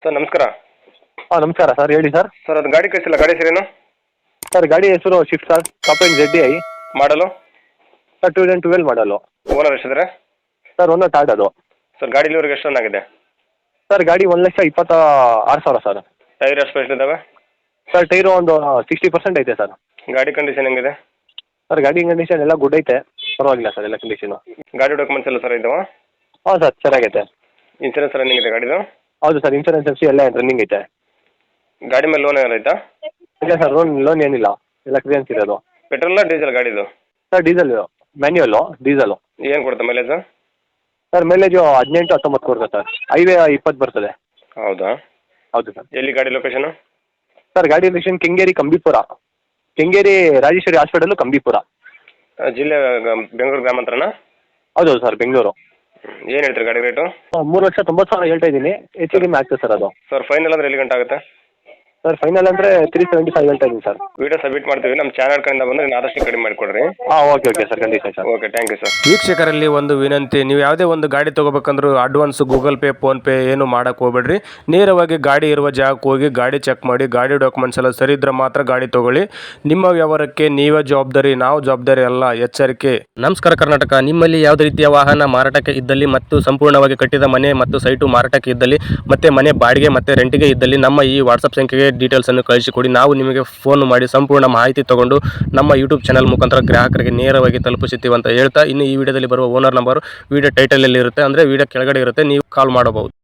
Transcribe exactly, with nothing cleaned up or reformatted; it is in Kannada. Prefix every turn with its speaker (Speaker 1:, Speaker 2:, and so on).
Speaker 1: ಸರ್ ನಮಸ್ಕಾರ.
Speaker 2: ಹಾಂ ನಮಸ್ಕಾರ ಸರ್, ಹೇಳಿ ಸರ್.
Speaker 1: ಸರ್ ಅದು ಗಾಡಿ ಕಳಿಸಿಲ್ಲ, ಗಾಡಿ ಹೆಸರೇನು?
Speaker 2: ಸರ್ ಗಾಡಿ ಹೆಸರು Swift sir, top end Z I
Speaker 1: ಮಾಡಲು
Speaker 2: ಸರ್, ಟೂ ತೌಸಂಡ್ ಟ್ವೆಲ್ ಮಾಡಲು.
Speaker 1: ಓನರ್ ಎಷ್ಟಿದ್ದಾರೆ?
Speaker 2: ಸರ್ ಒಂದು ಥರ್ಡ್ ಅದು.
Speaker 1: ಸರ್ ಗಾಡಿ ಇಲ್ಲಿವರೆಗೆ ಎಷ್ಟು ರನ್ ಆಗಿದೆ?
Speaker 2: ಸರ್ ಗಾಡಿ ಒಂದು ಲಕ್ಷ ಇಪ್ಪತ್ತ ಆರು ಸಾವಿರ ಸರ್.
Speaker 1: ಟೈರ್ ಎಷ್ಟು ಪರ್ಸೆಂಟ್ ಇದ್ದಾವೆ?
Speaker 2: ಸರ್ ಟೈರು ಒಂದು ಸಿಕ್ಸ್ಟಿ ಪರ್ಸೆಂಟ್ ಐತೆ ಸರ್.
Speaker 1: ಗಾಡಿ ಕಂಡೀಷನ್ ಹೆಂಗಿದೆ?
Speaker 2: ಸರ್ ಗಾಡಿ ಕಂಡೀಷನ್ ಎಲ್ಲ ಗುಡ್ ಐತೆ, ಪರವಾಗಿಲ್ಲ ಸರ್ ಎಲ್ಲ ಕಂಡೀಷನು.
Speaker 1: ಗಾಡಿ ಡಾಕ್ಯುಮೆಂಟ್ಸ್ ಎಲ್ಲ ಸರ್ ಇದ್ದಾವೆ?
Speaker 2: ಹಾಂ ಸರ್ ಚೆನ್ನಾಗೈತೆ.
Speaker 1: ಇನ್ಸೂರೆನ್ಸ್ ರನ್ನಿಂಗ್ ಇದೆ ಗಾಡಿದು?
Speaker 2: ಹೌದು ಸರ್, ಇನ್ಸೂರೆನ್ಸ್ ಎಫ್ ಸಿ ಎಲ್ಲ ರನ್ನಿಂಗ್ ಐತೆ.
Speaker 1: ಗಾಡಿ ಮೇಲೆ ಲೋನ್ ಏನಾರು ಐತಾ?
Speaker 2: ಇಲ್ಲ ಸರ್, ಲೋನ್ ಲೋನ್ ಏನಿಲ್ಲ, ಎಲ್ಲ ಕ್ಲಿಯರೆನ್ಸ್ ಇರೋದು.
Speaker 1: ಪೆಟ್ರೋಲ ಡೀಸೆಲ್ ಗಾಡಿದು?
Speaker 2: Sir diesel, manual diesel.
Speaker 1: ಏನು ಕೊಡುತ್ತೆ ಮೈಲೇಜ್?
Speaker 2: ಸರ್ ಮೈಲೇಜು ಹದಿನೆಂಟು ಹತ್ತೊಂಬತ್ತು ಕೊಡ್ತದೆ ಸರ್, ಹೈವೇ ಇಪ್ಪತ್ತು ಬರ್ತದೆ.
Speaker 1: ಹೌದಾ?
Speaker 2: ಹೌದು ಸರ್.
Speaker 1: ಎಲ್ಲಿ ಗಾಡಿ ಲೊಕೇಶನು?
Speaker 2: ಸರ್ ಗಾಡಿ ಲೊಕೇಶನ್ ಕೆಂಗೇರಿ ಕಂಬಿಪುರ, ಕೆಂಗೇರಿ ರಾಜೇಶ್ವರಿ ಹಾಸ್ಪಿಟಲು ಕಂಬಿಪುರ.
Speaker 1: ಜಿಲ್ಲೆ ಬೆಂಗಳೂರು ಗ್ರಾಮಾಂತರನಾ?
Speaker 2: ಹೌದು ಸರ್, ಬೆಂಗಳೂರು.
Speaker 1: ಏನು ಹೇಳ್ತೀರಿ ಗಾಡಿ ರೇಟು?
Speaker 2: ಮೂರು ಲಕ್ಷ ತೊಂಬತ್ತು ಸಾವಿರ ಹೇಳ್ತಾ ಇದ್ದೀನಿ, ಹೆಚ್ಚು ಕಡಿಮೆ ಆಗ್ತದೆ ಸರ್ ಅದು.
Speaker 1: ಸರ್ ಫೈನಲ್ ಅಂದರೆ ಎಲ್ಲಿ ಗಂಟೆ ಆಗುತ್ತೆ?
Speaker 2: ಸರ್ ಫೈನಲ್ ಅಂದರೆ ತ್ರೀ ಸೆವೆಂಟಿ ಫೈವ್ ಹೇಳ್ತಾ ಇದ್ದೀನಿ ಸರ್.
Speaker 1: ವಿಡಿಯೋ ಸಬ್ಮಿಟ್ ಮಾಡ್ತೀವಿ, ನಮ್ಮ ಚಾನಲ್ ಕಡೆಯಿಂದ ಬಂದರೆ ನೀವು ಆದಷ್ಟು ಕಡಿಮೆ ಮಾಡಿಕೊಡ್ರಿ.
Speaker 2: ಹಾಂ ಓಕೆ ಓಕೆ ಸರ್, ಖಂಡಿತ sir.
Speaker 1: Okay, thank you sir.
Speaker 3: ವೀಕ್ಷಕರಲ್ಲಿ ಒಂದು ವಿನಂತಿ, ನೀವು ಯಾವುದೇ ಒಂದು ಗಾಡಿ ತೊಗೋಬೇಕಂದ್ರೂ ಅಡ್ವಾನ್ಸ್ ಗೂಗಲ್ ಪೇ ಫೋನ್ಪೇ ಏನು ಮಾಡೋಕ್ಕೆ ಹೋಗ್ಬೇಡ್ರಿ. ನೇರವಾಗಿ ಗಾಡಿ ಇರುವ ಜಾಗಕ್ಕೆ ಹೋಗಿ ಗಾಡಿ ಚೆಕ್ ಮಾಡಿ, ಗಾಡಿ ಡಾಕ್ಯುಮೆಂಟ್ಸ್ ಎಲ್ಲ ಸರಿ ಇದ್ರೆ ಮಾತ್ರ ಗಾಡಿ ತೊಗೊಳ್ಳಿ. ನಿಮ್ಮ ವ್ಯವಹಾರಕ್ಕೆ ನೀವೇ ಜವಾಬ್ದಾರಿ, ನಾವು ಜವಾಬ್ದಾರಿ ಅಲ್ಲ, ಎಚ್ಚರಿಕೆ. ನಮಸ್ಕಾರ ಕರ್ನಾಟಕ. ನಿಮ್ಮಲ್ಲಿ ಯಾವುದೇ ರೀತಿಯ ವಾಹನ ಮಾರಾಟಕ್ಕೆ ಇದ್ದಲ್ಲಿ ಮತ್ತು ಸಂಪೂರ್ಣವಾಗಿ ಕಟ್ಟಿದ ಮನೆ ಮತ್ತು ಸೈಟು ಮಾರಾಟಕ್ಕೆ ಇದ್ದಲ್ಲಿ ಮತ್ತೆ ಮನೆ ಬಾಡಿಗೆ ಮತ್ತು ರೆಂಟಿಗೆ ಇದ್ದಲ್ಲಿ ನಮ್ಮ ಈ ವಾಟ್ಸಪ್ ಸಂಖ್ಯೆಗೆ ಡೀಟೇಲ್ಸನ್ನು ಕಳಿಸಿಕೊಡಿ. ನಾವು ನಿಮಗೆ ಫೋನ್ ಮಾಡಿ ಸಂಪೂರ್ಣ ಮಾಹಿತಿ ತಗೊಂಡು ನಮ್ಮ ಯೂಟ್ಯೂಬ್ ಚಾನಲ್ ಮುಖಾಂತರ ಗ್ರಾಹಕರಿಗೆ ನೇರವಾಗಿ ತಲುಪಿಸುತ್ತೀವಿ ಅಂತ ಹೇಳ್ತಾ, ಇನ್ನು ಈ ವಿಡಿಯೋದಲ್ಲಿ ಬರುವ ಓನರ್ ನಂಬರ್ ವಿಡಿಯೋ ಟೈಟಲಲ್ಲಿ ಇರುತ್ತೆ, ಅಂದರೆ ವಿಡಿಯೋ ಕೆಳಗಡೆ ಇರುತ್ತೆ, ನೀವು ಕಾಲ್ ಮಾಡಬಹುದು.